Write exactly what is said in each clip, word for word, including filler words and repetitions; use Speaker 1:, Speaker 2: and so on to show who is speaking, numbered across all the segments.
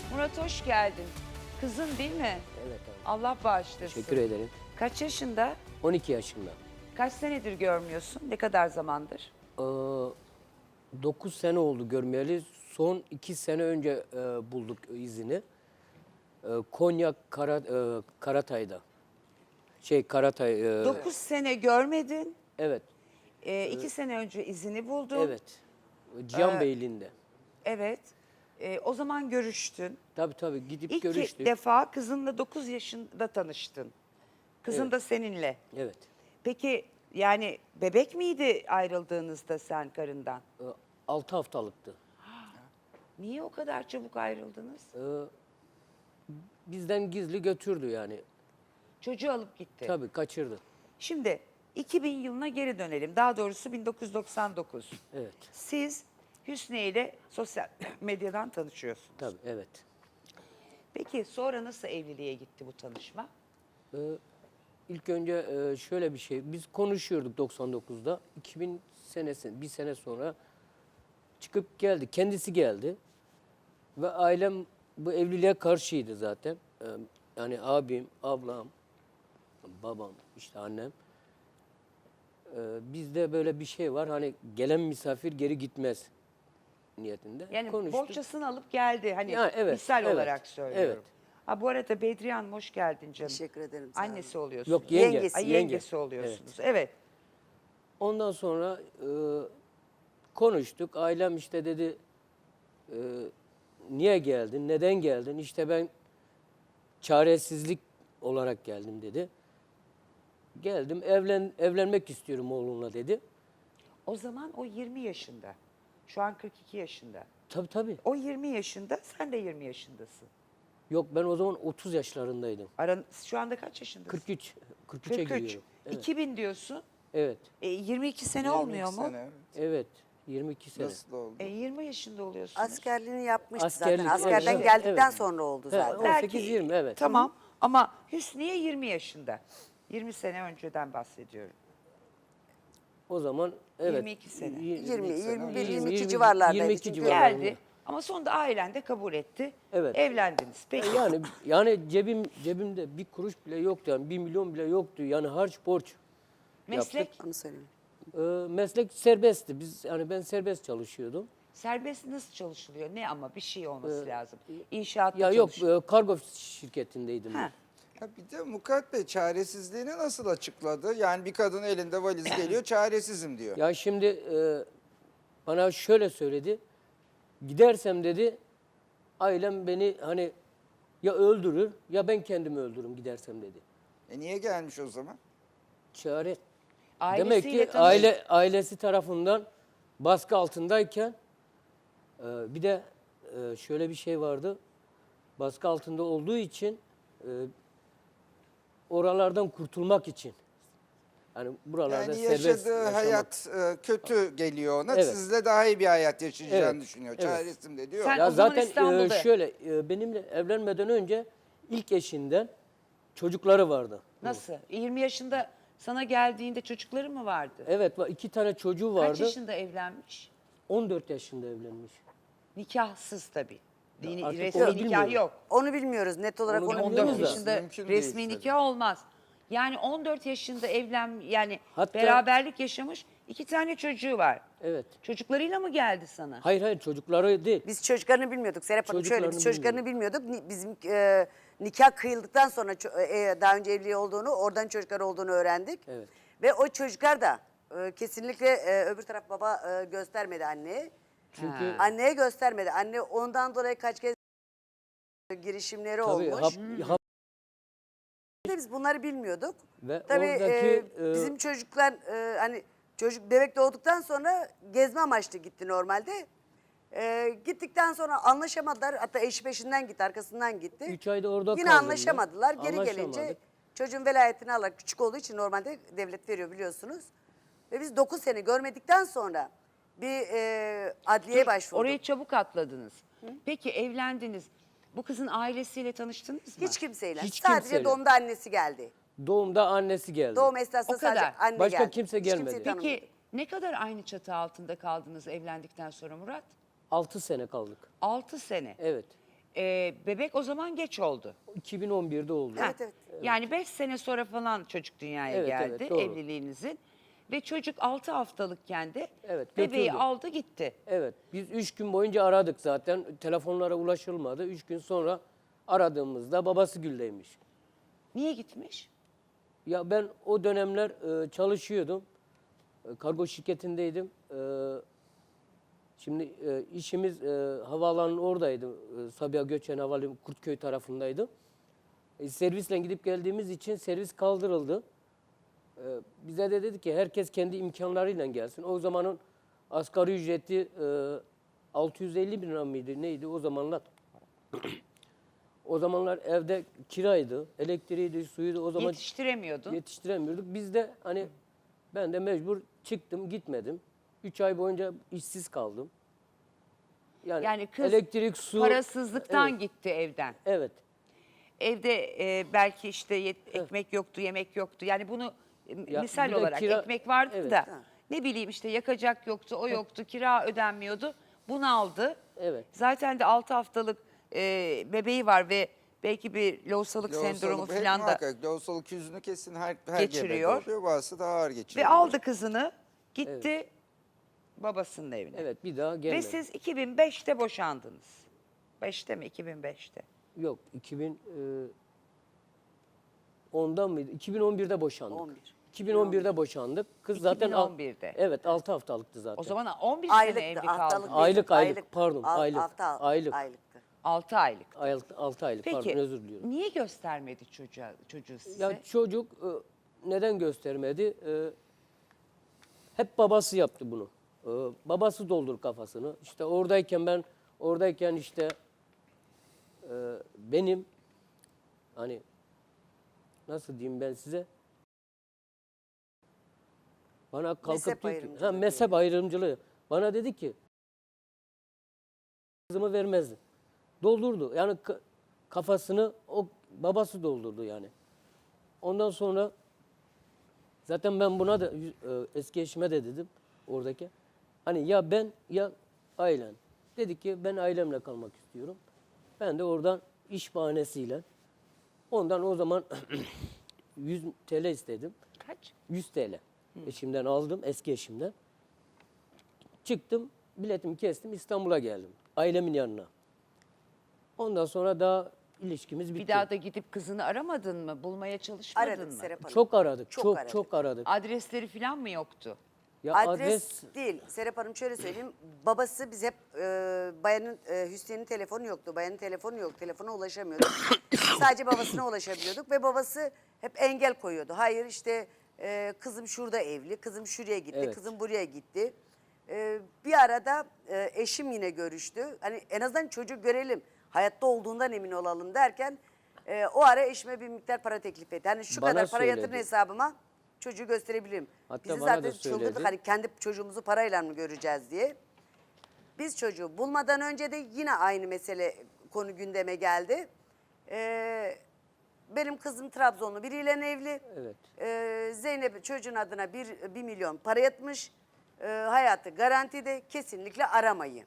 Speaker 1: Murat hoş geldin. Kızın değil mi?
Speaker 2: Evet abi.
Speaker 1: Allah bağışlasın.
Speaker 2: Teşekkür ederim.
Speaker 1: Kaç yaşında?
Speaker 2: on iki yaşında.
Speaker 1: Kaç senedir görmüyorsun? Ne kadar zamandır?
Speaker 2: Ee, dokuz sene oldu görmeyeli. Son iki sene önce e, bulduk izini. E, Konya Kara, e, Karatay'da. Şey Karatay. E,
Speaker 1: Dokuz sene görmedin.
Speaker 2: Evet.
Speaker 1: E, iki sene önce izini buldun.
Speaker 2: Evet. Cihan Beyliği'nde.
Speaker 1: Evet. E, o zaman görüştün.
Speaker 2: Tabii tabii gidip
Speaker 1: İlk
Speaker 2: görüştük.
Speaker 1: defa kızınla dokuz yaşında tanıştın. Kızın
Speaker 2: Evet.
Speaker 1: da seninle.
Speaker 2: Evet.
Speaker 1: Peki yani bebek miydi ayrıldığınızda sen karından?
Speaker 2: E, altı haftalıktı.
Speaker 1: Niye o kadar çabuk ayrıldınız?
Speaker 2: E, bizden gizli götürdü yani.
Speaker 1: Çocuğu alıp gitti.
Speaker 2: Tabii kaçırdı.
Speaker 1: Şimdi iki bin yılına geri dönelim. Daha doğrusu bin dokuz yüz doksan dokuz.
Speaker 2: Evet.
Speaker 1: Siz Hüsniye ile sosyal medyadan tanışıyorsunuz.
Speaker 2: Tabii evet.
Speaker 1: Peki sonra nasıl evliliğe gitti bu tanışma?
Speaker 2: Ee, ilk önce e, şöyle bir şey, biz konuşuyorduk doksan dokuzda, iki bin senesi, bir sene sonra çıkıp geldi, kendisi geldi ve ailem bu evliliğe karşıydı zaten. Ee, yani abim, ablam, babam, işte annem. Ee, bizde böyle bir şey var, hani gelen misafir geri gitmez niyetinde.
Speaker 1: Yani
Speaker 2: konuştuk.
Speaker 1: bohçasını alıp geldi. Hani
Speaker 2: Ya, evet,
Speaker 1: misal
Speaker 2: evet,
Speaker 1: olarak söylüyorum.
Speaker 2: evet.
Speaker 1: Ha, bu arada Bedriye Hanım hoş geldin canım.
Speaker 3: Teşekkür ederim, sağ olun.
Speaker 1: Annesi oluyorsunuz.
Speaker 2: Yok, yenge,
Speaker 3: Yengesi.
Speaker 1: Ay,
Speaker 2: yenge.
Speaker 1: yengesi oluyorsunuz. Evet.
Speaker 2: Ondan sonra e, konuştuk. Ailem işte dedi, e, niye geldin, neden geldin? İşte ben çaresizlik olarak geldim dedi. Geldim, evlen evlenmek istiyorum oğlunla dedi.
Speaker 1: O zaman o yirmi yaşında. Şu an kırk iki yaşında.
Speaker 2: Tabii tabii.
Speaker 1: O yirmi yaşında, sen de yirmi yaşındasın.
Speaker 2: Yok, ben o zaman otuz yaşlarındaydım.
Speaker 1: Aran, şu anda kaç yaşındasın?
Speaker 2: kırk üç. kırk üçe
Speaker 1: kırk üç.
Speaker 2: giriyorum. Evet.
Speaker 1: iki bin diyorsun.
Speaker 2: Evet.
Speaker 1: E, yirmi iki sene
Speaker 4: yirmi iki
Speaker 1: olmuyor mu?
Speaker 4: sene, evet.
Speaker 2: Evet. yirmi iki sene.
Speaker 4: Nasıl oldu?
Speaker 1: E, yirmi yaşında oluyorsunuz.
Speaker 3: Askerliğini yapmıştı
Speaker 2: Askerlik,
Speaker 3: zaten. Askerden
Speaker 2: evet,
Speaker 3: geldikten
Speaker 2: evet.
Speaker 3: sonra oldu
Speaker 2: He,
Speaker 3: zaten.
Speaker 2: on
Speaker 1: Belki-
Speaker 2: sekiz yirmi, evet.
Speaker 1: Tamam ama Hüsniye yirmi yaşında. yirmi sene önceden bahsediyorum.
Speaker 2: O zaman evet.
Speaker 1: yirmi iki sene.
Speaker 3: yirmi, yirmi bir,
Speaker 2: yirmi,
Speaker 3: yirmi iki
Speaker 2: yirmi,
Speaker 3: civarlardaydı.
Speaker 2: yirmi iki
Speaker 3: Çünkü
Speaker 2: civarlarında.
Speaker 1: Geldi ama sonunda ailen de kabul etti.
Speaker 2: Evet.
Speaker 1: Evlendiniz. Peki.
Speaker 2: Yani yani cebim cebimde bir kuruş bile yoktu, yani bir milyon bile yoktu. Yani harç borç.
Speaker 1: Meslek
Speaker 3: Onu söyleyeyim.
Speaker 2: Ee, meslek serbestti. Biz yani ben serbest çalışıyordum.
Speaker 1: serbest nasıl çalışılıyor? Ne ama bir şey olması lazım. İnşaatta
Speaker 2: Ee, Ya yok,
Speaker 1: çalışıyor.
Speaker 2: e, kargo şirketindeydim.
Speaker 1: Ha.
Speaker 2: ben.
Speaker 4: Ya bir de Mukaddes Bey çaresizliğini nasıl açıkladı? Yani bir kadın elinde valiz geliyor, çaresizim diyor.
Speaker 2: Ya şimdi e, bana şöyle söyledi. Gidersem dedi, ailem beni hani ya öldürür ya ben kendimi öldürürüm gidersem dedi.
Speaker 4: E niye gelmiş o zaman?
Speaker 2: Çare.
Speaker 1: Ailesiyle
Speaker 2: Demek ki
Speaker 1: tanış-
Speaker 2: aile ailesi tarafından baskı altındayken e, bir de e, şöyle bir şey vardı. Baskı altında olduğu için e, oralardan kurtulmak için. Yani buralarda
Speaker 4: Yani
Speaker 2: serbest
Speaker 4: yaşadığı
Speaker 2: yaşamak.
Speaker 4: hayat e, kötü geliyor ona.
Speaker 2: Evet.
Speaker 4: Sizle daha iyi bir hayat yaşayacağını
Speaker 2: Evet,
Speaker 4: düşünüyor.
Speaker 2: evet.
Speaker 4: Çaresizim de diyor.
Speaker 1: Sen-
Speaker 2: Ya
Speaker 1: o zaman
Speaker 2: zaten
Speaker 1: İstanbul'da.
Speaker 2: e, şöyle e, benimle evlenmeden önce ilk eşinden çocukları vardı.
Speaker 1: Nasıl? yirmi yaşında sana geldiğinde çocukları mı vardı?
Speaker 2: Evet, va- iki tane çocuğu
Speaker 1: Kaç
Speaker 2: vardı.
Speaker 1: yaşında evlenmiş?
Speaker 2: on dört yaşında evlenmiş.
Speaker 1: Nikahsız tabii. Dini,
Speaker 2: artık
Speaker 1: resmi
Speaker 2: onu
Speaker 1: nikah
Speaker 2: bilmiyorum.
Speaker 1: yok.
Speaker 3: Onu bilmiyoruz. Net olarak
Speaker 2: Onu
Speaker 3: onu,
Speaker 2: bilmiyoruz
Speaker 1: on dört
Speaker 3: bilmiyoruz.
Speaker 2: da.
Speaker 1: yaşında
Speaker 4: Mümkün
Speaker 1: resmi
Speaker 4: değil tabii.
Speaker 1: nikah olmaz. Yani on dört yaşında evlen yani
Speaker 2: Hatta-
Speaker 1: beraberlik yaşamış, iki tane çocuğu var.
Speaker 2: Evet.
Speaker 1: Çocuklarıyla mı geldi sana?
Speaker 2: Hayır hayır, çocukları değil.
Speaker 3: Biz çocuklarını bilmiyorduk. Serap Hanım şöyle, biz
Speaker 2: Çocuklarını
Speaker 3: çocuklarını bilmiyorduk. Ni- Bizim e, nikah kıyıldıktan sonra ço- e, daha önce evli olduğunu, oradan çocuklar olduğunu öğrendik.
Speaker 2: Evet.
Speaker 3: Ve o çocuklar da e, kesinlikle e, öbür taraf baba e, göstermedi anneye.
Speaker 2: Çünkü
Speaker 3: Anneye göstermedi. Anne ondan dolayı kaç kez girişimleri
Speaker 2: tabii
Speaker 3: olmuş.
Speaker 2: hap, hap-
Speaker 3: Biz bunları bilmiyorduk.
Speaker 2: Ve
Speaker 3: Tabii
Speaker 2: oradaki,
Speaker 3: e,
Speaker 2: e,
Speaker 3: bizim çocuklar e, hani çocuk bebek doğduktan sonra gezme amaçlı gitti normalde. E, gittikten sonra anlaşamadılar. Hatta eşi peşinden gitti, arkasından gitti.
Speaker 2: üç ayda orada
Speaker 3: Yine
Speaker 2: kaldım ben.
Speaker 3: anlaşamadılar. Geri gelince
Speaker 2: Anlaşamadık.
Speaker 3: çocuğun velayetini alarak küçük olduğu için normalde devlet veriyor biliyorsunuz. Ve biz dokuz sene görmedikten sonra bir e, adliyeye başvurduk.
Speaker 1: Orayı çabuk atladınız. Peki evlendiniz. Bu kızın ailesiyle tanıştınız mı?
Speaker 3: Hiç kimseyle.
Speaker 2: Hiç
Speaker 3: Sadece
Speaker 2: kimseyle.
Speaker 3: doğumda annesi geldi.
Speaker 2: Doğumda annesi geldi.
Speaker 3: Doğum esnasında
Speaker 1: O kadar.
Speaker 3: sadece anne
Speaker 2: Başka
Speaker 3: geldi.
Speaker 2: kimse
Speaker 3: Hiç
Speaker 2: gelmedi.
Speaker 3: kimseyi tanımıyorduk.
Speaker 1: Peki ne kadar aynı çatı altında kaldınız evlendikten sonra Murat?
Speaker 2: altı sene kaldık.
Speaker 1: altı sene.
Speaker 2: Evet.
Speaker 1: e, bebek o zaman geç oldu.
Speaker 2: iki bin on birde oldu.
Speaker 3: Evet, evet.
Speaker 1: Yani beş sene sonra falan çocuk dünyaya
Speaker 2: Evet,
Speaker 1: geldi
Speaker 2: evet, doğru.
Speaker 1: evliliğinizin. Ve çocuk altı haftalıkken de
Speaker 2: Evet,
Speaker 1: bebeği
Speaker 2: götürdü.
Speaker 1: aldı gitti.
Speaker 2: Evet, biz üç gün boyunca aradık zaten. Telefonlara ulaşılmadı. Üç gün sonra aradığımızda babası Gül'deymiş.
Speaker 1: Niye gitmiş?
Speaker 2: Ya ben o dönemler e, çalışıyordum. E, kargo şirketindeydim. E, şimdi e, işimiz e, havaalanının oradaydı. E, Sabiha Göçen Havalimanı Kurtköy tarafındaydı. E, servisle gidip geldiğimiz için servis kaldırıldı. E, bize de dedi ki herkes kendi imkanlarıyla gelsin. O zamanın asgari ücreti e, altı yüz elli bin lira mıydı neydi o zamanlar? O zamanlar evde kiraydı, elektriğiydi, suyuydu. O zaman
Speaker 1: Yetiştiremiyordun.
Speaker 2: yetiştiremiyorduk. Biz de hani ben de mecbur çıktım, gitmedim. Üç ay boyunca işsiz kaldım. Yani,
Speaker 1: Yani kız
Speaker 2: elektrik, su.
Speaker 1: parasızlıktan
Speaker 2: Evet,
Speaker 1: gitti evden.
Speaker 2: evet.
Speaker 1: Evde e, belki işte yet- ekmek yoktu, yemek yoktu. Yani bunu e,
Speaker 2: Ya
Speaker 1: misal
Speaker 2: bir de
Speaker 1: olarak
Speaker 2: kira-
Speaker 1: ekmek vardı
Speaker 2: Evet.
Speaker 1: da ne bileyim işte yakacak yoktu, o yoktu, kira ödenmiyordu. Bunu aldı.
Speaker 2: Evet.
Speaker 1: Zaten de altı haftalık e, bebeği var ve belki bir lohusalık
Speaker 4: Lohusalık,
Speaker 1: sendromu
Speaker 4: hep
Speaker 1: falan da
Speaker 4: muhakkak lohusalık yüzünü kesin her, her
Speaker 1: geçiriyor.
Speaker 4: gebede oluyor. Bazısı daha ağır geçiriyor.
Speaker 1: ve aldı kızını gitti babasının evine.
Speaker 2: Evet, bir daha
Speaker 1: Ve
Speaker 2: gelmedi.
Speaker 1: siz iki bin beşte boşandınız. beşte mi? iki bin beşte.
Speaker 2: Yok, iki bin ondan mıydı? iki bin on birde boşandık.
Speaker 3: on bir.
Speaker 2: iki bin on birde boşandık. Kız zaten al-
Speaker 1: iki bin on birde.
Speaker 2: Evet, altı haftalıktı zaten.
Speaker 1: O zaman on bir sene
Speaker 3: Aylıktı,
Speaker 1: evli
Speaker 3: haftalık
Speaker 1: kaldı.
Speaker 3: değil.
Speaker 2: Aylık, aylık, pardon,
Speaker 3: Al-
Speaker 2: aylık,
Speaker 3: hafta-
Speaker 2: aylık.
Speaker 3: Aylıktı.
Speaker 1: altı aylık.
Speaker 2: altı aylık,
Speaker 1: Peki
Speaker 2: pardon, özür diliyorum.
Speaker 1: niye göstermedi çocuğa, çocuğu size?
Speaker 2: Ya çocuk e, neden göstermedi? E, hep babası yaptı bunu. E, babası doldur kafasını. İşte oradayken ben, oradayken işte e, benim hani nasıl diyeyim ben size? Bana kalkıp
Speaker 3: Mezhep
Speaker 2: diyor ki,
Speaker 3: ayrımcılığı
Speaker 2: ha, mezhep ayrımcılığı. Bana dedi ki kızımı vermezdi. Doldurdu. Yani ka- kafasını o babası doldurdu yani. Ondan sonra zaten ben buna da yüz- e, eski eşime de dedim oradaki. Hani ya ben ya ailen. Dedi ki ben ailemle kalmak istiyorum. Ben de oradan iş bahanesiyle ondan o zaman yüz T L istedim.
Speaker 1: Kaç?
Speaker 2: yüz T L. Eşimden aldım, eski eşimden. Çıktım, biletimi kestim, İstanbul'a geldim. Ailemin yanına. Ondan sonra daha ilişkimiz bitti.
Speaker 1: Bir daha da gidip kızını aramadın mı? Bulmaya çalışmadın
Speaker 3: Aradık
Speaker 1: mı?
Speaker 3: Serap Hanım.
Speaker 2: Çok aradık,
Speaker 3: Çok
Speaker 2: çok
Speaker 3: aradık.
Speaker 2: çok aradık.
Speaker 1: Adresleri falan mı yoktu?
Speaker 2: Ya
Speaker 3: Adres, değil. Serap Hanım şöyle söyleyeyim. Babası biz hep e, bayanın e, Hüsnü'nün telefonu yoktu. Bayanın telefonu yok. Telefona ulaşamıyorduk. Sadece babasına ulaşabiliyorduk ve babası hep engel koyuyordu. Hayır işte e, kızım şurada evli, kızım şuraya gitti,
Speaker 2: Evet.
Speaker 3: kızım buraya gitti. E, bir arada e, eşim yine görüştü. Hani en azından çocuğu görelim, hayatta olduğundan emin olalım derken e, o ara eşime bir miktar para teklif etti. Hani şu
Speaker 2: Bana
Speaker 3: kadar para yatırın
Speaker 2: söyledi.
Speaker 3: hesabıma çocuğu gösterebilirim.
Speaker 2: Hatta
Speaker 3: Bizi
Speaker 2: bana da
Speaker 3: zaten çıldırdık
Speaker 2: söyledi.
Speaker 3: hani kendi çocuğumuzu parayla mı göreceğiz diye. Biz çocuğu bulmadan önce de yine aynı mesele konu gündeme geldi. Ee, benim kızım Trabzonlu biriyle evli.
Speaker 2: Evet.
Speaker 3: Ee, Zeynep çocuğun adına bir, bir milyon para yatmış. Ee, hayatı garantide, kesinlikle aramayın.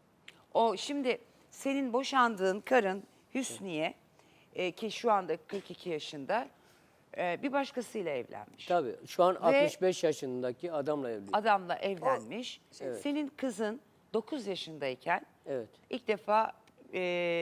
Speaker 1: O şimdi senin boşandığın karın Hüsniye e, ki şu anda kırk iki yaşında e, bir başkasıyla evlenmiş.
Speaker 2: Tabii şu an
Speaker 1: Ve-
Speaker 2: altmış beş yaşındaki adamla evliyim.
Speaker 1: Adamla evlenmiş.
Speaker 2: Evet.
Speaker 1: Senin kızın dokuz yaşındayken
Speaker 2: Evet.
Speaker 1: ilk defa e,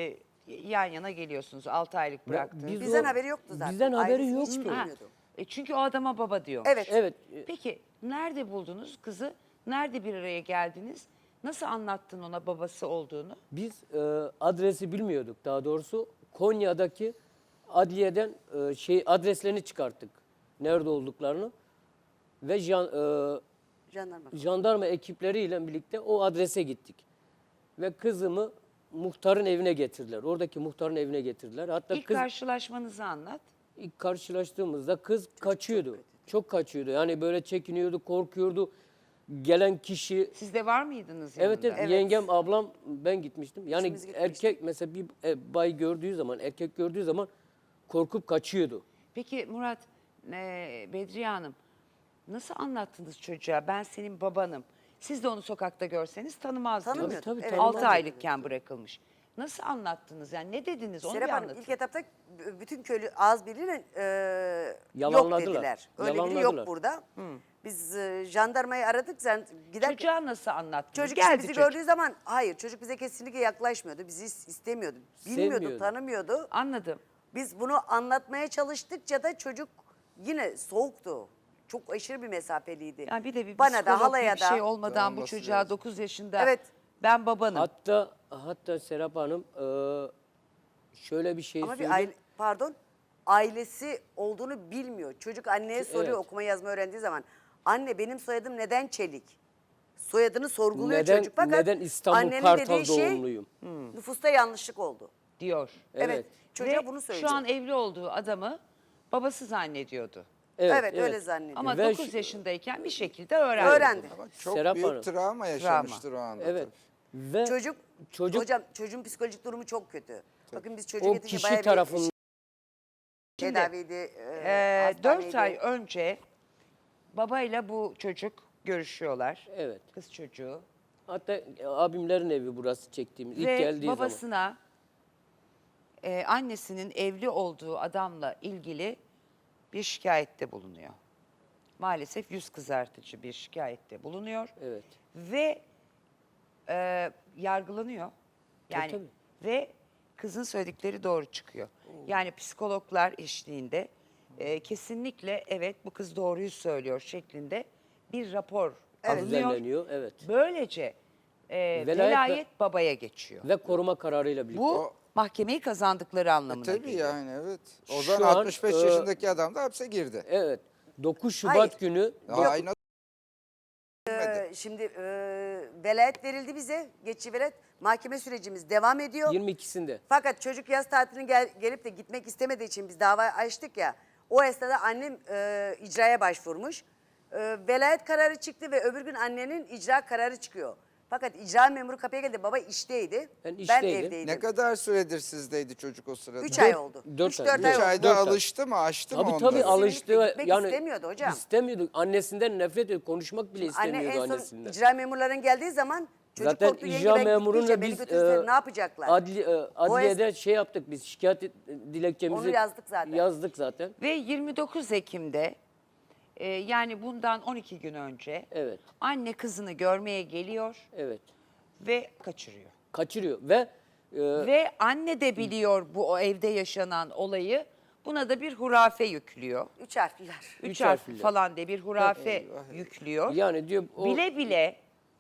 Speaker 1: yan yana geliyorsunuz. altı aylık bıraktınız.
Speaker 2: biz
Speaker 3: Bizden
Speaker 2: o-
Speaker 3: haberi yoktu zaten.
Speaker 2: bizden haberi
Speaker 3: Ailesi hiç
Speaker 2: yoktu.
Speaker 1: Ha,
Speaker 3: bilmiyordu.
Speaker 1: e, çünkü o adama baba diyor.
Speaker 3: Evet.
Speaker 2: Evet. e,
Speaker 1: Peki nerede buldunuz kızı? Nerede bir araya geldiniz? Nasıl anlattın ona babası olduğunu?
Speaker 2: Biz e, adresi bilmiyorduk daha doğrusu. Konya'daki adliyeden e, şey adreslerini çıkarttık. Nerede olduklarını. Ve jan, e,
Speaker 3: Jandarma.
Speaker 2: jandarma ekipleriyle birlikte o adrese gittik. Ve kızımı muhtarın evine getirdiler. Oradaki muhtarın evine getirdiler. Hatta
Speaker 1: İlk
Speaker 2: kız
Speaker 1: karşılaşmanızı anlat.
Speaker 2: ilk karşılaştığımızda kız kaçıyordu. Çok, kaçıyordu. Yani böyle çekiniyordu, korkuyordu. Gelen kişi
Speaker 1: Siz de var mıydınız yanında?
Speaker 2: evet, evet,
Speaker 3: Evet.
Speaker 2: yengem, ablam, ben gitmiştim. Yani
Speaker 3: İkimiz gitmiştik.
Speaker 2: erkek mesela bir e, bay gördüğü zaman, erkek gördüğü zaman korkup kaçıyordu.
Speaker 1: Peki Murat, e, Bedriye Hanım nasıl anlattınız çocuğa? Ben senin babanım. Siz de onu sokakta görseniz tanımazdınız.
Speaker 3: Tanımıyorduk,
Speaker 2: Tabii, tabii,
Speaker 3: evet.
Speaker 2: tanımazdık.
Speaker 1: altı aylıkken bırakılmış. Nasıl anlattınız? Yani ne dediniz? Onu
Speaker 3: Serap
Speaker 1: bir
Speaker 3: Hanım
Speaker 1: anlatın.
Speaker 3: ilk etapta b- bütün köylü ağız birliğiyle e, yok
Speaker 2: Yalanladılar.
Speaker 3: dediler. Öyle biri
Speaker 2: Yalanladılar.
Speaker 3: yok burada. Biz e, jandarmayı aradık. Zan, gider,
Speaker 1: Çocuğa nasıl anlattınız?
Speaker 3: çocuk işte
Speaker 1: Geldi
Speaker 3: bizi
Speaker 1: çocuk.
Speaker 3: gördüğü zaman hayır çocuk bize kesinlikle yaklaşmıyordu. Bizi is- istemiyordu. Bilmiyordu,
Speaker 2: Sevmiyordu.
Speaker 3: tanımıyordu.
Speaker 1: Anladım.
Speaker 3: Biz bunu anlatmaya çalıştıkça da çocuk yine soğuktu. Çok aşırı bir mesafeliydi.
Speaker 1: Yani bir de bir
Speaker 3: Bana
Speaker 1: psikolog
Speaker 3: da halaya
Speaker 1: bir
Speaker 3: da.
Speaker 1: şey olmadan bu
Speaker 4: Olması
Speaker 1: çocuğa
Speaker 4: lazım.
Speaker 1: dokuz yaşında
Speaker 3: Evet.
Speaker 1: ben babanım.
Speaker 2: Hatta hatta Serap Hanım e, şöyle bir şey
Speaker 3: Ama bir
Speaker 2: söyleyeyim.
Speaker 3: aile, pardon, ailesi olduğunu bilmiyor. Çocuk anneye soruyor
Speaker 2: Evet.
Speaker 3: okuma yazma öğrendiği zaman. Anne benim soyadım neden Çelik? Soyadını sorguluyor
Speaker 2: Neden-
Speaker 3: çocuk. Fakat
Speaker 2: neden İstanbul
Speaker 3: annenin
Speaker 2: Kartal
Speaker 3: dediği şey
Speaker 2: doğumluyum?
Speaker 3: nüfusta yanlışlık oldu.
Speaker 1: diyor.
Speaker 3: Evet.
Speaker 2: Evet.
Speaker 3: Çocuğa
Speaker 1: Ve
Speaker 3: bunu söyleyecek.
Speaker 1: şu an evli olduğu adamı babası zannediyordu.
Speaker 3: Evet, öyle zannediyor.
Speaker 1: Ama
Speaker 2: Ve
Speaker 1: dokuz
Speaker 2: şu-
Speaker 1: yaşındayken bir şekilde öğrendi.
Speaker 3: Öğrendi.
Speaker 4: Ama çok
Speaker 2: Serap
Speaker 4: büyük
Speaker 2: Hanım.
Speaker 4: travma yaşamıştır o anda.
Speaker 2: Evet.
Speaker 4: tabii.
Speaker 2: Ve
Speaker 3: Çocuk,
Speaker 2: çocuk
Speaker 3: hocam çocuğun psikolojik durumu çok kötü. Bakın biz çocuğu
Speaker 2: o
Speaker 3: getirince
Speaker 2: kişi
Speaker 3: bayağı bir
Speaker 2: tarafından
Speaker 1: Şimdi,
Speaker 3: tedaviydi, e,
Speaker 1: Ee, dört
Speaker 3: hastaneydi.
Speaker 1: ay önce babayla bu çocuk görüşüyorlar.
Speaker 2: evet.
Speaker 1: Kız çocuğu.
Speaker 2: Hatta abimlerin evi burası çektiğimiz ilk
Speaker 1: Ve
Speaker 2: geldiği zaman.
Speaker 1: babasına e, annesinin evli olduğu adamla ilgili bir şikayette bulunuyor. Maalesef yüz kızartıcı bir şikayette bulunuyor.
Speaker 2: Evet.
Speaker 1: Ve e, yargılanıyor. Yani
Speaker 2: tabii.
Speaker 1: ve kızın söyledikleri doğru çıkıyor. Yani psikologlar eşliğinde e, kesinlikle evet bu kız doğruyu söylüyor şeklinde bir rapor alınıyor.
Speaker 2: Düzenleniyor. Evet.
Speaker 1: Böylece e,
Speaker 2: Velayet
Speaker 1: velayet,
Speaker 2: ve-
Speaker 1: babaya geçiyor.
Speaker 2: Ve koruma kararıyla birlikte.
Speaker 1: Bu
Speaker 4: O-
Speaker 1: mahkemeyi kazandıkları anlamına
Speaker 4: Tabii
Speaker 1: geliyor.
Speaker 4: yani evet. O
Speaker 2: Şu
Speaker 4: zaman
Speaker 2: an,
Speaker 4: altmış beş
Speaker 2: e,
Speaker 4: yaşındaki adam da hapse girdi.
Speaker 2: Evet. dokuz Şubat
Speaker 3: Hayır.
Speaker 2: günü
Speaker 4: Aynı
Speaker 3: Ee, şimdi e, velayet verildi bize. Geçici velayet. Mahkeme sürecimiz devam ediyor.
Speaker 2: yirmi ikisinde.
Speaker 3: Fakat çocuk yaz tatiline gel, gelip de gitmek istemediği için biz dava açtık ya. O esnada annem e, icraya başvurmuş. E, velayet kararı çıktı ve öbür gün annenin icra kararı çıkıyor. Fakat icra memuru kapıya geldi. Baba işteydi.
Speaker 2: Ben
Speaker 3: Ben
Speaker 2: işteydim.
Speaker 3: evdeydim.
Speaker 4: Ne kadar süredir sizdeydi çocuk o sırada?
Speaker 3: Üç ay oldu.
Speaker 2: dört
Speaker 3: Üç
Speaker 2: ay.
Speaker 3: dört
Speaker 2: Üç
Speaker 3: ay
Speaker 4: Üç
Speaker 3: oldu.
Speaker 4: ayda
Speaker 2: Dört ay.
Speaker 4: alıştı mı, açtı mı
Speaker 2: Tabii
Speaker 4: onları?
Speaker 2: tabii alıştı.
Speaker 3: Gitmek
Speaker 2: Yani
Speaker 3: istemiyordu hocam.
Speaker 2: İstemiyordu. Annesinden nefret ediyordu. Konuşmak bile
Speaker 3: Anne
Speaker 2: istemiyordu
Speaker 3: en son
Speaker 2: annesinden.
Speaker 3: icra memurların geldiği zaman çocuk
Speaker 2: Zaten
Speaker 3: korktu. Yenge
Speaker 2: icra
Speaker 3: ben
Speaker 2: memuruyla
Speaker 3: gitmeyeceğim, beni
Speaker 2: biz
Speaker 3: götürürse
Speaker 2: e,
Speaker 3: ne yapacaklar?
Speaker 2: adli, e, adliyede şey yaptık biz şikayet et- dilekçemizi
Speaker 3: Onu yazdık zaten.
Speaker 2: yazdık zaten.
Speaker 1: Ve yirmi dokuz Ekim'de e, yani bundan on iki gün önce
Speaker 2: Evet.
Speaker 1: anne kızını görmeye geliyor
Speaker 2: Evet.
Speaker 1: ve kaçırıyor.
Speaker 2: Kaçırıyor ve e,
Speaker 1: Ve anne de biliyor bu o evde yaşanan olayı. Buna da bir hurafe yüklüyor.
Speaker 3: Üç harfliler.
Speaker 1: Üç,
Speaker 2: Üç
Speaker 1: harf
Speaker 2: harfliler.
Speaker 1: falan diye bir hurafe yüklüyor.
Speaker 2: yani diyor o
Speaker 1: Bile bile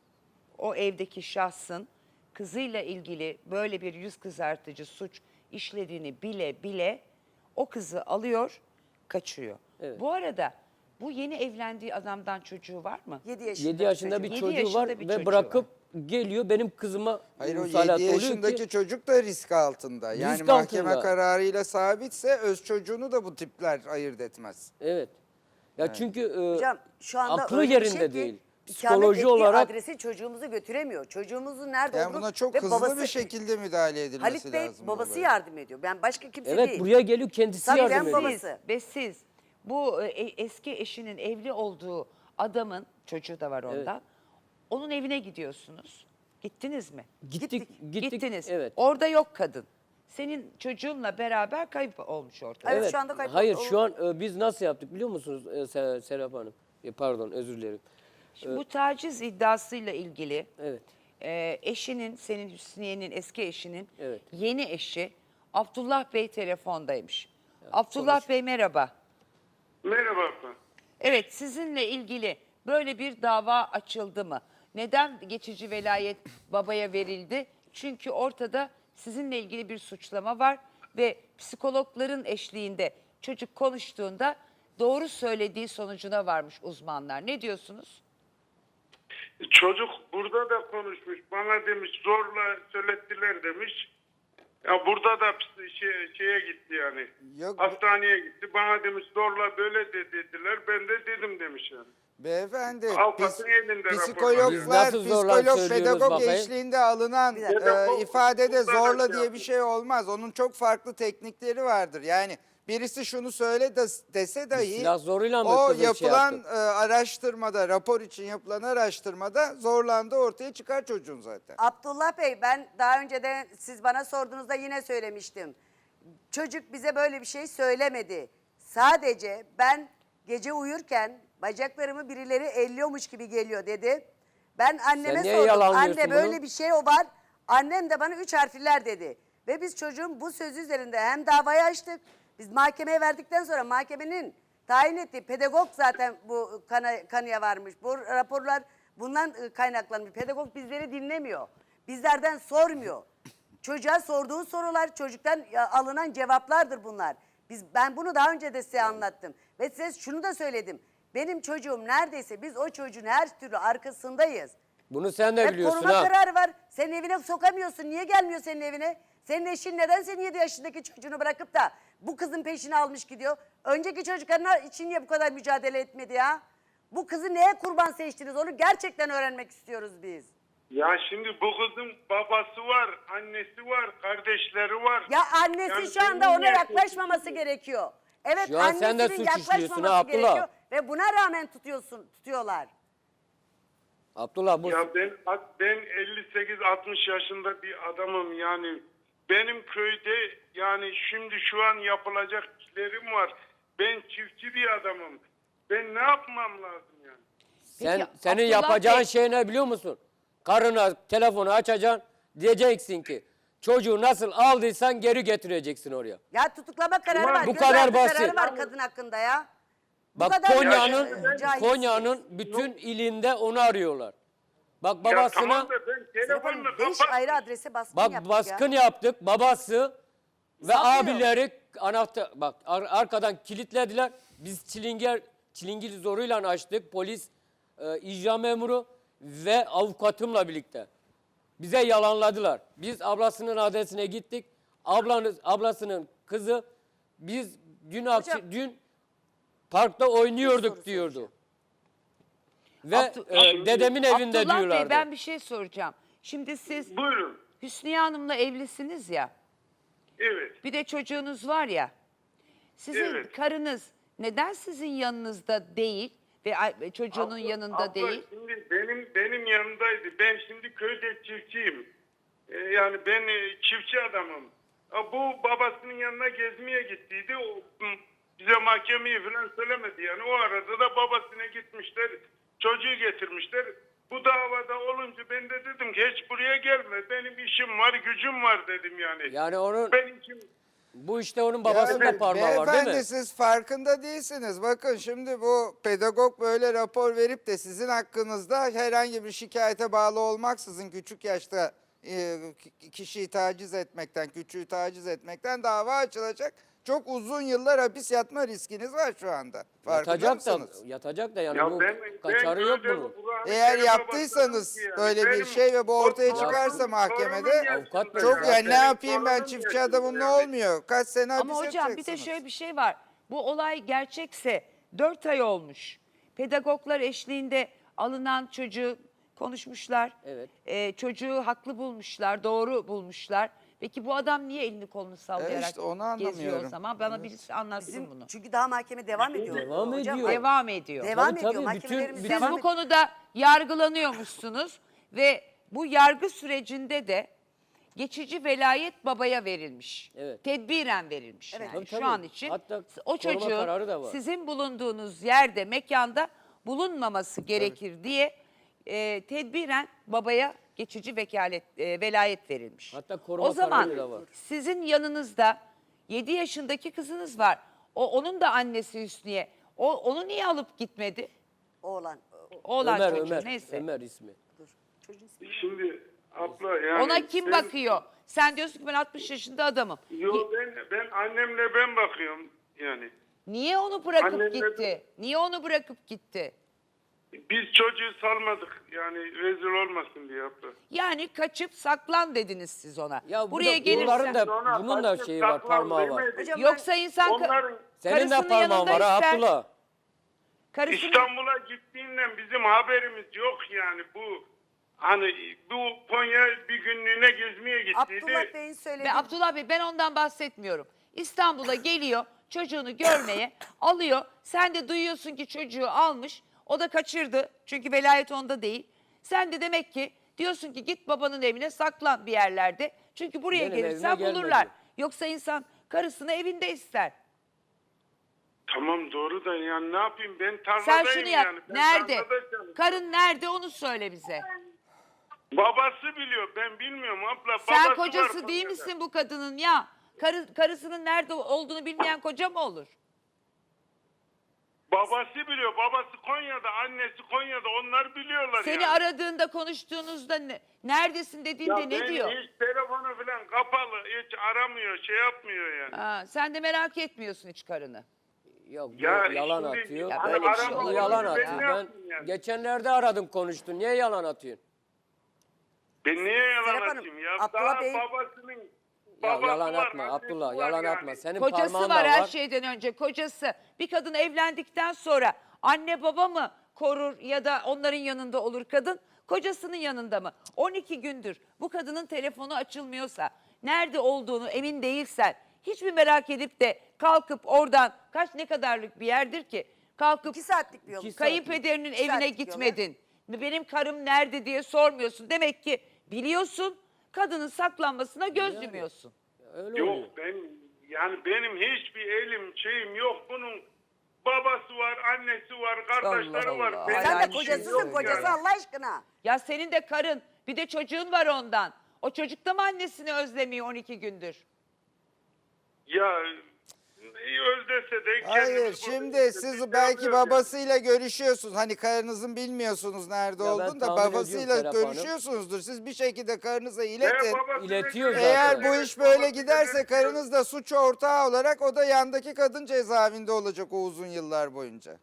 Speaker 1: o evdeki şahsın kızıyla ilgili böyle bir yüz kızartıcı suç işlediğini bile bile o kızı alıyor, kaçırıyor.
Speaker 2: Evet.
Speaker 1: Bu arada bu yeni evlendiği adamdan çocuğu var mı?
Speaker 3: Yedi yaşında,
Speaker 2: yedi yaşında
Speaker 3: çocuğu.
Speaker 2: bir
Speaker 1: Yedi
Speaker 2: çocuğu
Speaker 1: yaşında
Speaker 2: var
Speaker 1: bir
Speaker 2: ve
Speaker 1: çocuğu
Speaker 2: bırakıp geliyor benim kızıma
Speaker 4: Hayır o
Speaker 2: musallat
Speaker 4: yedi
Speaker 2: oluyor
Speaker 4: yaşındaki
Speaker 2: ki
Speaker 4: çocuk da risk altında. Yani
Speaker 2: Risk
Speaker 4: mahkeme
Speaker 2: altında.
Speaker 4: kararıyla sabitse öz çocuğunu da bu tipler ayırt etmez.
Speaker 2: evet. Ya çünkü e,
Speaker 3: Hocam şu anda
Speaker 2: aklı
Speaker 3: öyle bir
Speaker 2: yerinde
Speaker 3: şey ki,
Speaker 2: değil.
Speaker 3: ikamet
Speaker 2: Psikoloji
Speaker 3: ettiği
Speaker 2: olarak
Speaker 3: adresi çocuğumuzu götüremiyor. Çocuğumuzun nerede
Speaker 4: Yani
Speaker 3: olduğunu
Speaker 4: buna çok
Speaker 3: ve
Speaker 4: hızlı
Speaker 3: babası,
Speaker 4: bir şekilde müdahale edilmesi
Speaker 3: Halit Bey
Speaker 4: lazım.
Speaker 3: babası
Speaker 4: olaya.
Speaker 3: yardım ediyor. Ben başka kimse
Speaker 2: evet
Speaker 3: değil.
Speaker 2: buraya geliyor kendisi
Speaker 3: Tabii
Speaker 2: yardım
Speaker 3: ben
Speaker 2: ediyor.
Speaker 3: babası.
Speaker 1: Siz ve siz bu e, eski eşinin evli olduğu adamın çocuğu da var ondan. Onun evine gidiyorsunuz. Gittiniz mi?
Speaker 2: Gittik, gittik.
Speaker 1: Gittiniz.
Speaker 2: Evet.
Speaker 1: Orada yok kadın. Senin çocuğunla beraber kayıp olmuş ortada.
Speaker 3: Evet, şu anda kayıp-
Speaker 2: Hayır
Speaker 3: o-
Speaker 2: şu an e, biz nasıl yaptık biliyor musunuz e, Se- Serap Hanım? E, pardon özür dilerim.
Speaker 1: Şimdi bu taciz iddiasıyla ilgili
Speaker 2: Evet.
Speaker 1: e, eşinin, senin Hüsniye'nin eski eşinin
Speaker 2: Evet.
Speaker 1: yeni eşi Abdullah Bey telefondaymış. Abdullah Bey merhaba.
Speaker 5: Merhaba abla.
Speaker 1: Evet, sizinle ilgili böyle bir dava açıldı mı? Neden geçici velayet babaya verildi? Çünkü ortada sizinle ilgili bir suçlama var ve psikologların eşliğinde çocuk konuştuğunda doğru söylediği sonucuna varmış uzmanlar. Ne diyorsunuz?
Speaker 5: Çocuk burada da konuşmuş. Bana demiş zorla söylettiler demiş. Ya burada da şey, şeye gitti yani.
Speaker 4: Yok,
Speaker 5: Hastaneye gitti. Bana demiş zorla böyle de dediler. Ben de dedim demiş yani.
Speaker 4: Beyefendi,
Speaker 5: Avukatın
Speaker 4: pis-
Speaker 5: elinde rapor var.
Speaker 2: Biz
Speaker 4: psikologlar,
Speaker 2: nasıl zorla
Speaker 4: psikolog,
Speaker 2: söylüyoruz
Speaker 4: pedagog
Speaker 2: bakayım?
Speaker 4: eşliğinde alınan
Speaker 3: Bir
Speaker 4: e,
Speaker 3: dakika.
Speaker 4: ifadede
Speaker 5: Bu- bu- bu-
Speaker 4: zorla
Speaker 5: bu-
Speaker 4: diye bir şey olmaz. Onun çok farklı teknikleri vardır. Yani birisi şunu söyle de, dese dahi
Speaker 2: silah zoruyla mı
Speaker 4: o
Speaker 2: kızı şey
Speaker 4: yapılan
Speaker 2: yaptı?
Speaker 4: e, araştırmada, rapor için yapılan araştırmada zorlandığı ortaya çıkar çocuğun zaten.
Speaker 3: Abdullah Bey, ben daha önce de siz bana sorduğunuzda yine söylemiştim. Çocuk bize böyle bir şey söylemedi. Sadece ben gece uyurken bacaklarımı birileri elliyormuş gibi geliyor dedi. Ben anneme
Speaker 2: Sen niye
Speaker 3: sordum.
Speaker 2: yalanlıyorsun
Speaker 3: Anne böyle
Speaker 2: bunu?
Speaker 3: bir şey o var. Annem de bana üç harfler dedi. Ve biz çocuğun bu sözü üzerinde hem davayı açtık. Biz mahkemeye verdikten sonra mahkemenin tayin ettiği pedagog zaten bu kana, kanıya varmış. Bu raporlar bundan e, kaynaklanmış. Pedagog bizleri dinlemiyor. Bizlerden sormuyor. Çocuğa sorduğu sorular, çocuktan ya, alınan cevaplardır bunlar. Biz ben bunu daha önce de size anlattım. Ve size şunu da söyledim. Benim çocuğum neredeyse biz o çocuğun her türlü arkasındayız.
Speaker 2: Bunu sen de
Speaker 3: Hep
Speaker 2: biliyorsun
Speaker 3: koruma
Speaker 2: ha.
Speaker 3: kararı var. Senin evine sokamıyorsun. Niye gelmiyor senin evine? Senin eşin neden senin yedi yaşındaki çocuğunu bırakıp da bu kızın peşini almış gidiyor? Önceki çocuklarına için niye bu kadar mücadele etmedi ya? Bu kızı neye kurban seçtiniz? Onu gerçekten öğrenmek istiyoruz biz.
Speaker 5: Ya şimdi bu kızın babası var, annesi var, kardeşleri var.
Speaker 3: Ya annesi
Speaker 5: Yani
Speaker 3: şu anda
Speaker 5: benim
Speaker 3: ona
Speaker 5: niye
Speaker 3: yaklaşmaması gerekiyor. Evet,
Speaker 2: Şu an sen de
Speaker 3: annesinin
Speaker 2: suç işliyorsun
Speaker 3: yaklaşmaması
Speaker 2: ha Abdullah.
Speaker 3: gerekiyor ve buna rağmen tutuyorsun, tutuyorlar.
Speaker 2: Abdullah bu
Speaker 5: Ya ben ben elli sekiz altmış yaşında bir adamım yani. Benim köyde yani şimdi şu an yapılacak işlerim var. Ben çiftçi bir adamım. Ben ne yapmam lazım yani?
Speaker 2: sen
Speaker 1: Peki,
Speaker 2: senin
Speaker 1: Abdullah
Speaker 2: yapacağın
Speaker 1: Bey-
Speaker 2: şey ne biliyor musun? Karına telefonu açacaksın. Diyeceksin ki çocuğu nasıl aldıysan geri getireceksin oraya.
Speaker 3: Ya tutuklama kararı
Speaker 5: Ulan
Speaker 3: var.
Speaker 2: bu
Speaker 3: gözaltı
Speaker 2: kadar basit.
Speaker 3: kararı var kadın hakkında ya. Bu
Speaker 2: Bak
Speaker 3: kadar
Speaker 2: Konya'nın
Speaker 3: e, cahilsiniz.
Speaker 2: Konya'nın bütün ilinde onu arıyorlar. Bak
Speaker 5: Ya
Speaker 2: babasına
Speaker 5: tamam da ben
Speaker 3: Serap Hanım,
Speaker 5: telefonla
Speaker 3: beş
Speaker 5: kapat.
Speaker 3: ayrı adrese baskın
Speaker 2: bak
Speaker 3: yaptık
Speaker 2: baskın
Speaker 3: ya.
Speaker 2: yaptık. Babası ve
Speaker 3: Saklıyor.
Speaker 2: abileri anahtar bak ar- arkadan kilitlediler. Biz çilinger çilingir zoruyla açtık. Polis, e, icra memuru ve avukatımla birlikte. Bize yalanladılar. Biz ablasının adresine gittik. Ablanız ablasının kızı biz dün akşam
Speaker 3: Hocam,
Speaker 2: dün parkta oynuyorduk
Speaker 3: soru
Speaker 2: diyordu. Ve
Speaker 1: Abdu-
Speaker 2: e, dedemin evinde
Speaker 1: Abdullah
Speaker 2: diyorlardı.
Speaker 1: Bey, ben bir şey soracağım. Şimdi siz
Speaker 5: Buyurun.
Speaker 1: Hüsniye Hanım'la evlisiniz ya.
Speaker 5: Evet.
Speaker 1: Bir de çocuğunuz var ya. Sizin
Speaker 5: Evet.
Speaker 1: karınız neden sizin yanınızda değil ve a- çocuğunun
Speaker 5: Abla-
Speaker 1: yanında
Speaker 5: abla
Speaker 1: değil?
Speaker 5: Şimdi benim benim yanımdaydı. Ben şimdi köyde çiftçiyim. Ee, yani ben e, çiftçi adamım. Ha, bu babasının yanına gezmeye gittiydi. O, hı, bize mahkemeyi falan söylemedi yani. O arada da babasına gitmişler. Çocuğu getirmişler. Bu davada olunca ben de dedim ki hiç buraya gelme. Benim işim var, gücüm var dedim yani.
Speaker 2: Yani onun
Speaker 5: Benim için
Speaker 2: bu işte onun babasının
Speaker 4: Ya
Speaker 2: da parmağı var değil
Speaker 4: beyefendi,
Speaker 2: mi?
Speaker 4: siz farkında değilsiniz. Bakın şimdi bu pedagog böyle rapor verip de sizin hakkınızda herhangi bir şikayete bağlı olmaksızın küçük yaşta e, kişiyi taciz etmekten, küçüğü taciz etmekten dava açılacak. Çok uzun yıllar hapis yatma riskiniz var şu anda. Farkında
Speaker 2: Yatacak da,
Speaker 4: mısınız?
Speaker 2: yatacak da yani
Speaker 5: ya
Speaker 2: bu
Speaker 5: ben,
Speaker 2: kaçarı
Speaker 5: ben
Speaker 2: yok
Speaker 5: böyle
Speaker 2: bunun.
Speaker 5: Kur'an-ı
Speaker 4: Eğer
Speaker 5: Kerim'e
Speaker 4: yaptıysanız
Speaker 5: bakarım ki yani.
Speaker 4: böyle bir
Speaker 5: Benim
Speaker 4: şey ve bu ortaya
Speaker 5: o
Speaker 4: çıkarsa
Speaker 5: torunum-
Speaker 4: mahkemede
Speaker 5: torunum
Speaker 2: Avukat
Speaker 5: yaşında
Speaker 2: bey,
Speaker 4: çok
Speaker 5: ya.
Speaker 4: yani ne
Speaker 5: Benim
Speaker 4: yapayım ben
Speaker 5: torunum
Speaker 4: çiftçi
Speaker 5: yaşında
Speaker 4: adamım ne
Speaker 5: yani.
Speaker 4: olmuyor? Kaç sene hapis
Speaker 1: Ama hocam bir de
Speaker 4: yatacaksınız?
Speaker 1: şöyle bir şey var. Bu olay gerçekse dört ay olmuş. Pedagoglar eşliğinde alınan çocuğu konuşmuşlar.
Speaker 2: Evet.
Speaker 1: Ee, çocuğu haklı bulmuşlar, doğru bulmuşlar. Peki bu adam niye elini kolunu sallayarak
Speaker 4: işte onu
Speaker 1: geziyor o
Speaker 4: anlamıyorum.
Speaker 1: zaman? Bana birisi anlatsın
Speaker 3: Bizim,
Speaker 1: bunu.
Speaker 3: çünkü daha mahkeme devam ediyor.
Speaker 2: Devam
Speaker 3: Hocam,
Speaker 2: ediyor.
Speaker 1: Devam ediyor.
Speaker 3: Devam
Speaker 2: Tabii,
Speaker 3: ediyor.
Speaker 2: tabii,
Speaker 3: Mahkemelerimiz
Speaker 2: bütün-
Speaker 1: Siz
Speaker 3: devam
Speaker 1: bu
Speaker 3: ediyor.
Speaker 1: konuda yargılanıyormuşsunuz ve bu yargı sürecinde de geçici velayet babaya verilmiş.
Speaker 2: Evet.
Speaker 1: Tedbiren verilmiş
Speaker 3: Evet.
Speaker 1: yani
Speaker 2: Tabii,
Speaker 1: şu
Speaker 2: tabii.
Speaker 1: an için.
Speaker 2: Hatta
Speaker 1: O
Speaker 2: koruma
Speaker 1: çocuğun
Speaker 2: kararı da var.
Speaker 1: sizin bulunduğunuz yerde, mekanda bulunmaması gerekir diye e, tedbiren babaya geçici vekalet e, velayet verilmiş.
Speaker 2: Hatta koruma
Speaker 1: o zaman
Speaker 2: kararı da var.
Speaker 1: sizin yanınızda yedi yaşındaki kızınız var. O onun da annesi Hüsniye. O onu niye alıp gitmedi?
Speaker 3: Oğlan.
Speaker 1: Oğlan
Speaker 2: Ömer,
Speaker 1: çocuğu
Speaker 2: Ömer,
Speaker 1: neyse.
Speaker 2: Ömer ismi.
Speaker 3: Dur. Çocuğun ismi.
Speaker 5: Şimdi abla yani.
Speaker 1: Ona kim
Speaker 5: ben-
Speaker 1: bakıyor? Sen diyorsun ki ben altmış yaşında adamım.
Speaker 5: Yo ben ben annemle ben bakıyorum yani.
Speaker 1: Niye onu bırakıp
Speaker 5: Annemle-
Speaker 1: gitti? Niye onu bırakıp gitti?
Speaker 5: Biz çocuğu salmadık yani rezil olmasın diye abla.
Speaker 1: Yani kaçıp saklan dediniz siz ona.
Speaker 2: Ya bu
Speaker 1: Buraya
Speaker 2: da,
Speaker 1: gelirse
Speaker 2: bunların da
Speaker 5: Sonra
Speaker 2: bunun da
Speaker 5: kaçıp
Speaker 2: şeyi var,
Speaker 5: saklan
Speaker 2: parmağı var.
Speaker 5: demedik.
Speaker 3: Hocam,
Speaker 1: yoksa insan ka-
Speaker 5: Onların
Speaker 2: Senin de
Speaker 1: karısının
Speaker 2: parmağın var ha
Speaker 1: yanında ister.
Speaker 2: Abdullah.
Speaker 1: Karısının
Speaker 5: İstanbul'a gittiğinden bizim haberimiz yok yani bu hani bu Konya bir günlüğüne gezmeye gittiydi.
Speaker 3: Abdullah Bey'in söylediği...
Speaker 1: Ve Abdullah Bey ben ondan bahsetmiyorum. İstanbul'a geliyor çocuğunu görmeye alıyor. Sen de duyuyorsun ki çocuğu almış. O da kaçırdı çünkü velayet onda değil. Sen de demek ki diyorsun ki git babanın evine saklan bir yerlerde. Çünkü buraya
Speaker 2: Benim
Speaker 1: gelirsen
Speaker 2: evime
Speaker 1: bulurlar.
Speaker 2: gelmedi.
Speaker 1: Yoksa insan karısını evinde ister.
Speaker 5: Tamam doğru da yani ne yapayım ben
Speaker 1: Sen
Speaker 5: tarladayım
Speaker 1: şunu yap.
Speaker 5: yani. Ben
Speaker 1: Nerede?
Speaker 5: tarlada çalışıyorum.
Speaker 1: Karın nerede onu söyle bize.
Speaker 5: Babası biliyor ben bilmiyorum abla.
Speaker 1: Sen
Speaker 5: Babası
Speaker 1: kocası
Speaker 5: var
Speaker 1: değil
Speaker 5: Konya'da.
Speaker 1: misin bu kadının ya? Karı, karısının nerede olduğunu bilmeyen koca mı olur?
Speaker 5: Babası biliyor. Babası Konya'da, annesi Konya'da. Onlar biliyorlar
Speaker 1: Seni
Speaker 5: yani.
Speaker 1: aradığında konuştuğunuzda ne, neredesin dediğinde
Speaker 5: Ya
Speaker 1: ne
Speaker 5: ben
Speaker 1: diyor?
Speaker 5: hiç telefonu falan kapalı. Hiç aramıyor, şey yapmıyor yani.
Speaker 1: Ha, sen de merak etmiyorsun hiç karını.
Speaker 2: Yok bu
Speaker 5: Ya
Speaker 2: yalan
Speaker 5: şimdi-
Speaker 2: atıyor.
Speaker 1: Ya
Speaker 5: Hani
Speaker 1: böyle bir şey
Speaker 5: arama
Speaker 2: Bu
Speaker 1: olabilir
Speaker 2: yalan
Speaker 1: ya.
Speaker 2: atıyor.
Speaker 5: Ben ne
Speaker 2: Ben
Speaker 5: yapayım yani?
Speaker 2: geçenlerde aradım konuştun. Niye yalan atıyorsun?
Speaker 5: Ben niye yalan
Speaker 3: Serap Hanım,
Speaker 5: atayım ya?
Speaker 3: Abdullah
Speaker 5: Daha
Speaker 3: Bey-
Speaker 5: babasının
Speaker 2: Ya
Speaker 5: babası
Speaker 2: yalan
Speaker 5: var,
Speaker 2: atma
Speaker 5: annesi
Speaker 2: Abdullah,
Speaker 5: var
Speaker 2: yalan
Speaker 5: yani.
Speaker 2: atma. Senin
Speaker 1: Kocası
Speaker 2: parmağın
Speaker 1: var
Speaker 2: da
Speaker 1: her
Speaker 2: var.
Speaker 1: şeyden önce kocası. Bir kadın evlendikten sonra anne baba mı korur ya da onların yanında olur kadın? Kocasının yanında mı? on iki gündür bu kadının telefonu açılmıyorsa, nerede olduğunu emin değilsen, hiç mi merak edip de kalkıp oradan kaç ne kadarlık bir yerdir ki? Kalkıp
Speaker 3: İki saatlik bir yol.
Speaker 2: İki
Speaker 1: kayınpederinin
Speaker 3: İki
Speaker 1: evine
Speaker 3: saatlik yol,
Speaker 1: gitmedin. Benim karım nerede diye sormuyorsun. Demek ki biliyorsun, kadının saklanmasına göz yumuyorsun.
Speaker 2: Öyle oluyor.
Speaker 5: Yok ben yani benim hiçbir elim şeyim yok. Bunun babası var, annesi var, kardeşleri
Speaker 1: Allah
Speaker 5: var.
Speaker 1: Allah.
Speaker 5: Benim
Speaker 1: Hala
Speaker 3: Sen de
Speaker 1: aynı şey
Speaker 3: kocasısın
Speaker 1: söylüyor
Speaker 3: kocası
Speaker 1: yani.
Speaker 3: Allah aşkına.
Speaker 1: Ya senin de karın, bir de çocuğun var ondan. O çocuk da mı annesini özlemiyor on iki gündür?
Speaker 5: Ya iyi öldese de
Speaker 4: Hayır
Speaker 5: kendimiz
Speaker 4: şimdi
Speaker 5: burada
Speaker 4: siz
Speaker 5: işte
Speaker 4: belki
Speaker 5: yapıyoruz yani.
Speaker 4: babasıyla görüşüyorsunuz. Hani karınızın bilmiyorsunuz nerede
Speaker 2: Ya ben
Speaker 4: olduğunu da
Speaker 2: tahmin ediyorum
Speaker 4: babasıyla
Speaker 2: Serap Hanım.
Speaker 4: görüşüyorsunuzdur. Siz bir şekilde karınıza
Speaker 5: Ve
Speaker 4: iletin.
Speaker 5: babasına
Speaker 2: İletiyor
Speaker 5: göre-
Speaker 2: zaten.
Speaker 4: Eğer bu iş böyle
Speaker 5: Babasına
Speaker 4: giderse
Speaker 5: göre-
Speaker 4: karınız da suç ortağı olarak o da yandaki kadın cezaevinde olacak o uzun yıllar boyunca.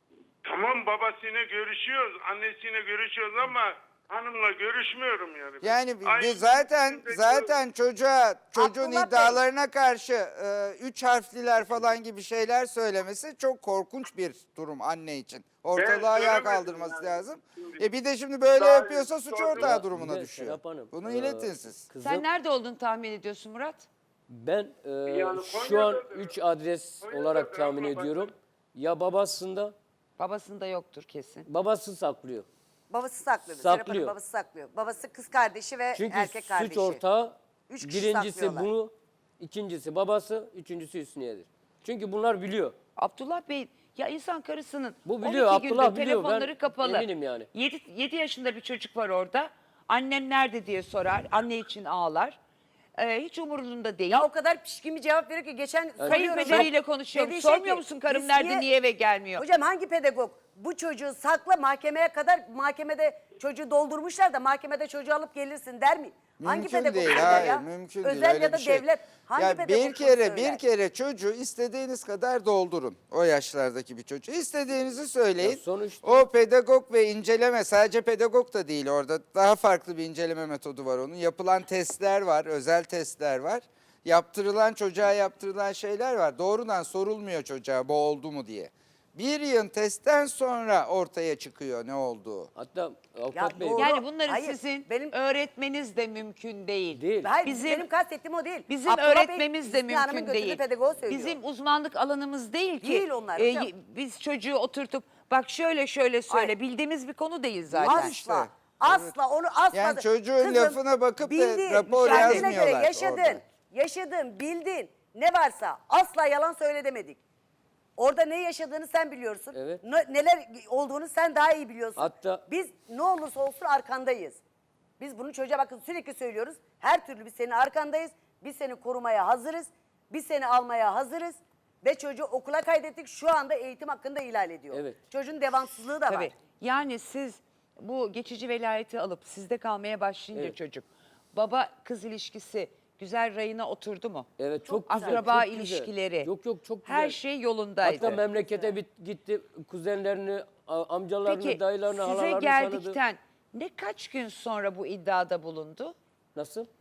Speaker 5: Tamam babasıyla görüşüyoruz, annesiyle görüşüyoruz ama hanımla görüşmüyorum yani.
Speaker 4: Yani
Speaker 5: Ay,
Speaker 4: bir- zaten
Speaker 5: içinde
Speaker 4: zaten çocuğa çocuğun
Speaker 3: Abdullah Bey.
Speaker 4: iddialarına karşı e, üç harfliler falan gibi şeyler söylemesi çok korkunç bir durum anne için. Ortalığı ayağa
Speaker 5: söylemedim
Speaker 4: kaldırması
Speaker 5: yani.
Speaker 4: lazım.
Speaker 5: Şimdi-
Speaker 4: E bir de şimdi böyle
Speaker 5: Daha
Speaker 4: yapıyorsa suç
Speaker 5: sonra-
Speaker 4: ortağı
Speaker 2: Bir
Speaker 4: durumuna
Speaker 2: de
Speaker 4: düşüyor.
Speaker 2: Serap Hanım,
Speaker 4: Bunu
Speaker 2: e,
Speaker 4: iletin siz.
Speaker 2: Kızım,
Speaker 1: Sen nerede olduğunu tahmin ediyorsun Murat?
Speaker 2: ben e,
Speaker 5: Yani
Speaker 2: şu an
Speaker 5: Konya'da da-
Speaker 2: üç adres
Speaker 5: Konya'da
Speaker 2: olarak
Speaker 5: da
Speaker 2: tahmin
Speaker 5: ama bak-
Speaker 2: ediyorum. Ya babasında,
Speaker 1: Babasında yoktur kesin.
Speaker 2: babası saklıyor.
Speaker 3: Babası saklıyor. Serap Hanım
Speaker 2: Saklıyor.
Speaker 3: babası saklıyor. Babası kız kardeşi ve
Speaker 2: Çünkü
Speaker 3: erkek kardeşi.
Speaker 2: suç ortağı
Speaker 3: Üç kişi
Speaker 2: birincisi
Speaker 3: saklıyorlar.
Speaker 2: bu, ikincisi babası, üçüncüsü Hüsniye'dir. Çünkü bunlar biliyor.
Speaker 1: Abdullah Bey, ya insan karısının
Speaker 2: Bu biliyor,
Speaker 1: on iki gündür
Speaker 2: Abdullah biliyor.
Speaker 1: telefonları
Speaker 2: Ben
Speaker 1: kapalı.
Speaker 2: eminim yani.
Speaker 1: yedi yaşında bir çocuk var orada. Annem nerede diye sorar. Anne için ağlar. Ee, hiç umurunda değil.
Speaker 3: Ya o kadar pişkin bir cevap veriyor ki geçen soruyorum.
Speaker 1: Kayınpederiyle konuşuyorum.
Speaker 3: Dediği şey
Speaker 1: Sormuyor
Speaker 3: ki,
Speaker 1: musun karım
Speaker 3: biz
Speaker 1: nerede, niye eve gelmiyor?
Speaker 3: Hocam hangi pedagog bu çocuğu sakla mahkemeye kadar mahkemede çocuğu doldurmuşlar da mahkemede çocuğu alıp gelirsin der mi? hangi
Speaker 4: Mümkün
Speaker 3: pedagog
Speaker 4: değil,
Speaker 3: söyler
Speaker 4: hayır,
Speaker 3: ya?
Speaker 4: mümkün
Speaker 3: Özel
Speaker 4: değil öyle
Speaker 3: ya da
Speaker 4: bir şey.
Speaker 3: devlet hangi
Speaker 4: Ya
Speaker 3: pedagog
Speaker 4: bir
Speaker 3: bunu
Speaker 4: kere
Speaker 3: söyler?
Speaker 4: bir kere çocuğu istediğiniz kadar doldurun. O yaşlardaki bir çocuğu. İstediğinizi söyleyin.
Speaker 2: Ya sonuçta-
Speaker 4: O pedagog ve inceleme sadece pedagog da değil orada. Daha farklı bir inceleme metodu var onun. Yapılan testler var, özel testler var. Yaptırılan çocuğa yaptırılan şeyler var. Doğrudan sorulmuyor çocuğa bu oldu mu diye. Bir yıl testten sonra ortaya çıkıyor ne olduğu.
Speaker 2: Hatta avukat bey
Speaker 3: doğru.
Speaker 1: Yani bunları
Speaker 3: Hayır,
Speaker 1: sizin
Speaker 3: benim-
Speaker 1: öğretmeniz de mümkün değil.
Speaker 2: değil.
Speaker 3: Hayır
Speaker 1: Bizim-
Speaker 3: benim kastettiğim o değil.
Speaker 1: Bizim
Speaker 3: Abdullah Bey,
Speaker 1: öğretmemiz de
Speaker 3: Hüsnü Hanım'ın
Speaker 1: mümkün
Speaker 3: götürdüğü
Speaker 1: değil.
Speaker 3: pedagoğu söylüyor.
Speaker 1: Bizim uzmanlık alanımız değil ki.
Speaker 3: Değil onlar
Speaker 1: Ee,
Speaker 3: hocam.
Speaker 1: y- biz çocuğu oturtup bak şöyle şöyle söyle
Speaker 3: Ay.
Speaker 1: bildiğimiz bir konu değil zaten.
Speaker 3: Asla.
Speaker 4: işte.
Speaker 3: Asla onu asla.
Speaker 4: Yani çocuğun lafına bakıp da rapor
Speaker 3: kendine göre
Speaker 4: yazmıyorlar
Speaker 3: yaşadın,
Speaker 4: orada.
Speaker 3: yaşadın, bildin. Ne varsa asla yalan söyle demedik. Orada ne yaşadığını sen biliyorsun.
Speaker 2: Evet.
Speaker 3: Ne- neler olduğunu sen daha iyi biliyorsun.
Speaker 2: Hatta-
Speaker 3: Biz ne olursa olsun arkandayız. Biz bunu çocuğa bakın sürekli söylüyoruz. Her türlü biz senin arkandayız. Biz seni korumaya hazırız. Biz seni almaya hazırız. Ve çocuğu okula kaydettik. Şu anda eğitim hakkında ihlal ediyor.
Speaker 2: Evet.
Speaker 3: Çocuğun devamsızlığı da
Speaker 1: Tabii.
Speaker 3: var.
Speaker 1: Yani siz bu geçici velayeti alıp sizde kalmaya başlayınca
Speaker 2: Evet.
Speaker 1: çocuk baba kız ilişkisi güzel rayına oturdu mu?
Speaker 2: Evet çok güzel.
Speaker 1: Akraba
Speaker 2: çok güzel.
Speaker 1: ilişkileri.
Speaker 2: Yok yok çok güzel.
Speaker 1: Her şey yolundaydı.
Speaker 2: Hatta memlekete bit, gitti kuzenlerini, a- amcalarını,
Speaker 1: Peki
Speaker 2: dayılarını,
Speaker 1: size
Speaker 2: halalarını
Speaker 1: geldikten
Speaker 2: tanıdı.
Speaker 1: ne kaç gün sonra bu iddiada bulundu?
Speaker 2: Nasıl?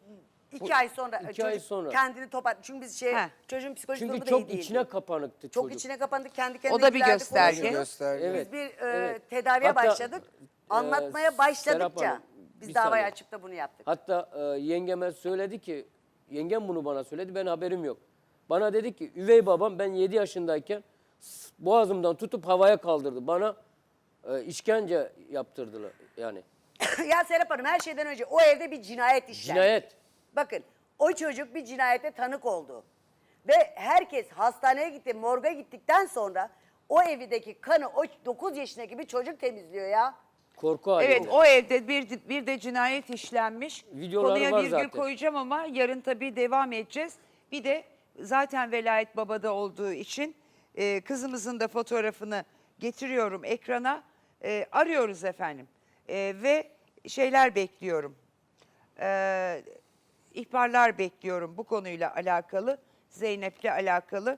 Speaker 3: İki ay sonra
Speaker 2: iki
Speaker 3: çocuk
Speaker 2: ay sonra.
Speaker 3: kendini toparladı. Çünkü biz şey
Speaker 1: Heh.
Speaker 3: çocuğun psikolojik
Speaker 2: Çünkü
Speaker 3: durumu da
Speaker 2: çok
Speaker 3: iyi değildi.
Speaker 2: içine kapanıktı
Speaker 3: Çok
Speaker 2: çocuk.
Speaker 3: içine kapandık, kendi kendine
Speaker 1: O da bir
Speaker 3: ilgilendi,
Speaker 1: gösterge.
Speaker 3: konuşuyordu.
Speaker 4: Gösterge.
Speaker 2: Evet.
Speaker 3: Biz bir e,
Speaker 2: evet.
Speaker 3: tedaviye
Speaker 2: Hatta,
Speaker 3: başladık.
Speaker 2: e,
Speaker 3: Anlatmaya
Speaker 2: Serap
Speaker 3: başladıkça
Speaker 2: Hanım,
Speaker 3: biz
Speaker 2: bir
Speaker 3: davayı
Speaker 2: saniye.
Speaker 3: açıp da bunu yaptık.
Speaker 2: Hatta e, yengeme söyledi ki, yengem bunu bana söyledi, ben haberim yok. Bana dedi ki üvey babam ben yedi yaşındayken s- boğazımdan tutup havaya kaldırdı. Bana e, işkence yaptırdılar yani.
Speaker 3: Ya Serap Hanım, her şeyden önce o evde bir cinayet işlendi.
Speaker 2: Cinayet.
Speaker 3: Bakın, o çocuk bir cinayete tanık oldu. Ve herkes hastaneye gitti, morga gittikten sonra o evdeki kanı o dokuz yaşındaki bir çocuk temizliyor ya.
Speaker 2: Korku halinde.
Speaker 1: Evet, o evde bir, bir de cinayet işlenmiş.
Speaker 2: Videoları
Speaker 1: Konuya
Speaker 2: var
Speaker 1: virgül
Speaker 2: zaten.
Speaker 1: koyacağım ama yarın tabii devam edeceğiz. Bir de zaten velayet babada olduğu için e, kızımızın da fotoğrafını getiriyorum ekrana. E, arıyoruz efendim. E, ve şeyler bekliyorum. E, ihbarlar bekliyorum bu konuyla alakalı. Zeynep'le alakalı.